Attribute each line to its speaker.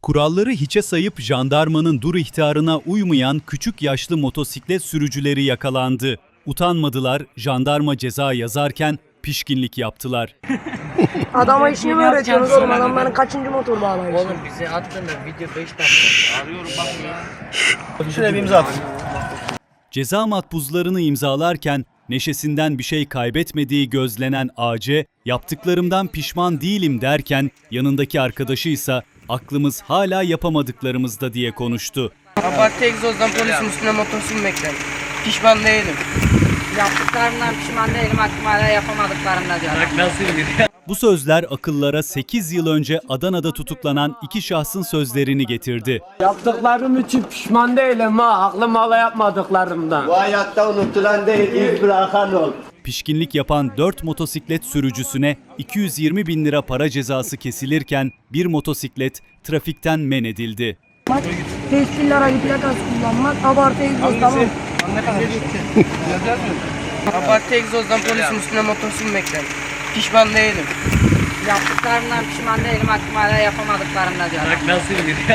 Speaker 1: Kuralları hiçe sayıp jandarmanın dur ihtarına uymayan küçük yaşlı motosiklet sürücüleri yakalandı. Utanmadılar, jandarma ceza yazarken pişkinlik yaptılar.
Speaker 2: Adama işini mi öğretiyorsunuz oğlum? Adamların kaçıncı motor bağlamış?
Speaker 3: Oğlum bize attın da video 5 dakika. Arıyorum bak ya.
Speaker 4: Şuraya bir imza at.
Speaker 1: Ceza makbuzlarını imzalarken neşesinden bir şey kaybetmediği gözlenen AC, yaptıklarımdan pişman değilim derken yanındaki arkadaşı ise aklımız hala yapamadıklarımızda diye konuştu.
Speaker 3: Abartı egzozdan polisin üstüne motor sürmekten. Pişman değilim.
Speaker 5: Yaptıklarımdan pişman değilim, aklım hala yapamadıklarımda diyor.
Speaker 3: Bak nasıl bilir.
Speaker 1: Bu sözler akıllara 8 yıl önce Adana'da tutuklanan iki şahsın sözlerini getirdi.
Speaker 6: Yaptıklarım için pişman değilim ha. Aklım hala yapmadıklarımdan.
Speaker 7: Bu hayatta unutulan değil, iz bırakan ol.
Speaker 1: Pişkinlik yapan 4 motosiklet sürücüsüne 220 bin lira para cezası kesilirken bir motosiklet trafikten men edildi.
Speaker 2: Tescilli aracı plakası kullanmak, abartı egzoz, tamam.
Speaker 3: Abartı egzozdan polisin üstüne motor sürmekten. Pişman değilim.
Speaker 5: Yaptıklarımdan pişman değilim, aklım hala yapamadıklarımda diyor.
Speaker 3: Bak nasıl bilir.